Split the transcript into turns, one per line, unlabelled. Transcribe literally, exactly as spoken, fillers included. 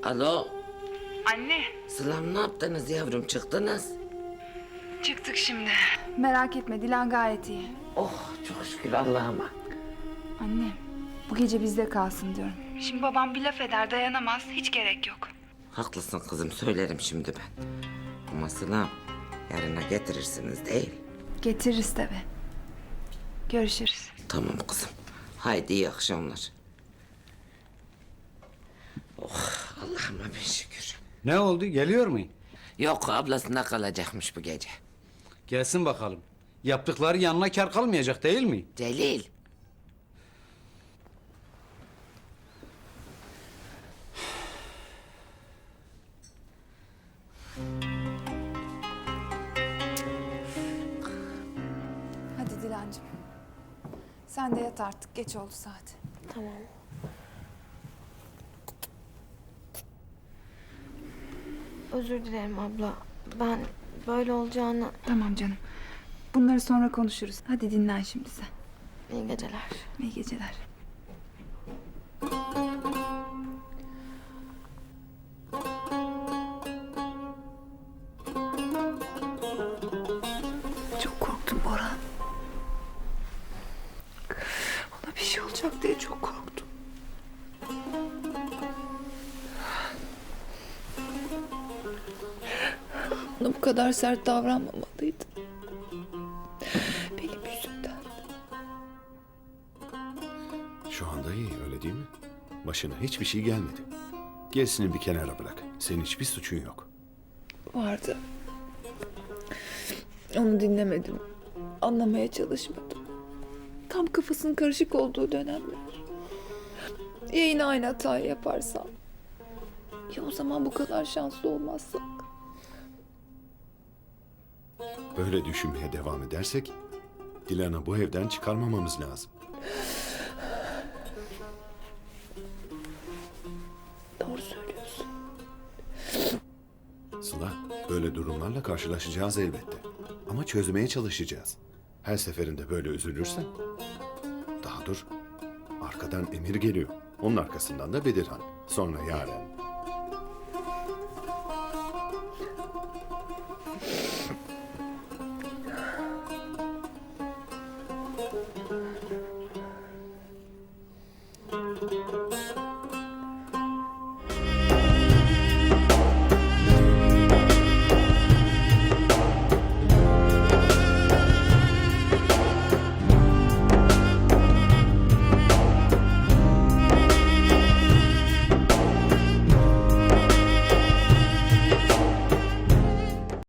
Alo,
Anne.
Sılam ne yaptınız yavrum, çıktınız?
Çıktık şimdi. Merak etme, Dilan gayet iyi.
Oh çok şükür Allah'ıma.
Anne, bu gece bizde kalsın diyorum. Şimdi babam bir laf eder, dayanamaz. Hiç gerek yok.
Haklısın kızım, söylerim şimdi ben. Ama Sılam, yarına getirirsiniz değil.
Getiririz tabii. Görüşürüz.
Tamam kızım. Haydi iyi akşamlar. Oh Allah'ıma bin şükür.
Ne oldu? Geliyor mu?
Yok, ablasında kalacakmış bu gece.
Gelsin bakalım. Yaptıkları yanına kar kalmayacak değil mi?
Celil.
Hadi Dilancığım. Sen de yat artık, geç oldu saat.
Tamam. Özür dilerim abla. Ben böyle olacağını...
Tamam canım. Bunları sonra konuşuruz. Hadi dinlen şimdi sen.
İyi geceler.
İyi geceler. Çok korktum Boran. Ona bir şey olacak diye çok korktum. Ona bu kadar sert davranmamalıydım. Benim yüzümden.
Şu anda iyi, öyle değil mi? Başına hiçbir şey gelmedi. Gerisini bir kenara bırak. Senin hiçbir suçun yok.
Vardı. Onu dinlemedim. Anlamaya çalışmadım. Tam kafasının karışık olduğu dönemler. Ya yine aynı hatayı yaparsam? Ya o zaman bu kadar şanslı olmazsak?
Böyle düşünmeye devam edersek Dilan'ı bu evden çıkarmamamız lazım.
Doğru söylüyorsun.
Sıla, böyle durumlarla karşılaşacağız elbette. Ama çözmeye çalışacağız. Her seferinde böyle üzülürsen... Daha dur, arkadan Emir geliyor. Onun arkasından da Bedirhan. Sonra Yaren.